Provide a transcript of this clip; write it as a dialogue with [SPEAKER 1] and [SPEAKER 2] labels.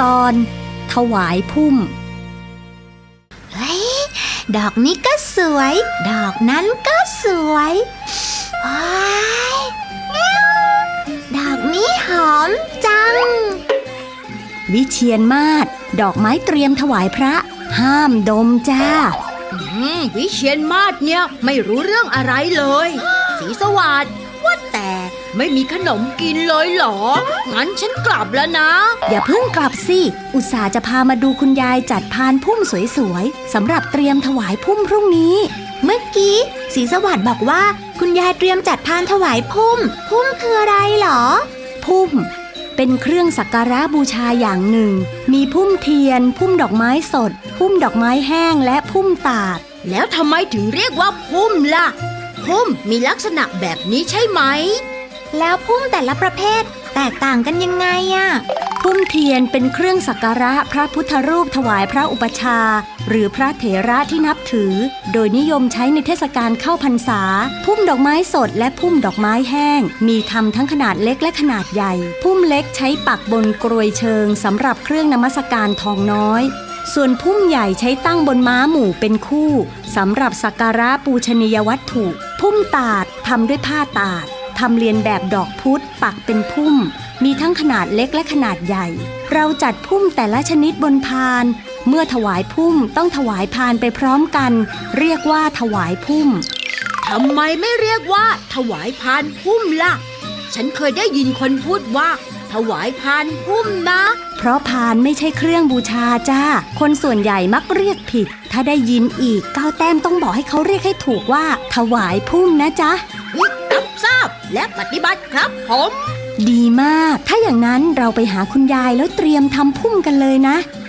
[SPEAKER 1] ตอนถวายพุ่ม
[SPEAKER 2] เฮ้ยดอกนี้ก็สวยดอกนั้นก็สวยว้ายดอกนี้หอมจัง
[SPEAKER 1] วิเชียรมาศดอกไม้เตรียมถวายพระห้ามดมจ้า
[SPEAKER 3] วิเชียรมาศเนี่ยไม่รู้เรื่องอะไรเลยศรีสวัสดิ์ว่าแต่ไม่มีขนมกินเลยเหรองั้นฉันกลับแล้วนะ
[SPEAKER 1] อย่าเพิ่งกลับสิอุตส่าห์จะพามาดูคุณยายจัดพานพุ่มสวยๆสำหรับเตรียมถวายพุ่มพรุ่งนี้
[SPEAKER 2] เมื่อกี้ศรีสวัสดิ์บอกว่าคุณยายเตรียมจัดพานถวายพุ่มคืออะไรเหรอ
[SPEAKER 1] พุ่มเป็นเครื่องสักการะบูชาอย่างหนึ่งมีพุ่มเทียนพุ่มดอกไม้สดพุ่มดอกไม้แห้งและพุ่มตาด
[SPEAKER 3] แล้วทำไมถึงเรียกว่าพุ่มล่ะพุ่มมีลักษณะแบบนี้ใช่ไหม
[SPEAKER 2] แล้วพุ่มแต่ละประเภทแตกต่างกันยังไงอะ
[SPEAKER 1] พุ่มเทียนเป็นเครื่องสักการะพระพุทธรูปถวายพระอุปชาหรือพระเถระที่นับถือโดยนิยมใช้ในเทศกาลเข้าพรรษาพุ่มดอกไม้สดและพุ่มดอกไม้แห้งมีทำทั้งขนาดเล็กและขนาดใหญ่พุ่มเล็กใช้ปักบนกรวยเชิงสำหรับเครื่องนมัสการทองน้อยส่วนพุ่มใหญ่ใช้ตั้งบนม้าหมู่เป็นคู่สำหรับสักการะปูชนียวัตถุพุ่มตาดทำด้วยผ้าตาดทำเรียนแบบดอกพุธปักเป็นพุ่มมีทั้งขนาดเล็กและขนาดใหญ่เราจัดพุ่มแต่ละชนิดบนพานเมื่อถวายพุ่มต้องถวายพานไปพร้อมกันเรียกว่าถวายพุ่ม
[SPEAKER 3] ทำไมไม่เรียกว่าถวายพานพุ่มล่ะฉันเคยได้ยินคนพูดว่าถวายพานพุ่มนะ
[SPEAKER 1] เพราะพานไม่ใช่เครื่องบูชาจ้าคนส่วนใหญ่มักเรียกผิดถ้าได้ยินอีก9 แต้มต้องบอกให้เขาเรียกให้ถูกว่าถวายพุ่มนะจ๊ะ
[SPEAKER 3] รับทราบและปฏิบัติครับผม
[SPEAKER 1] ดีมากถ้าอย่างนั้นเราไปหาคุณยายแล้วเตรียมทำพุ่มกันเลยนะ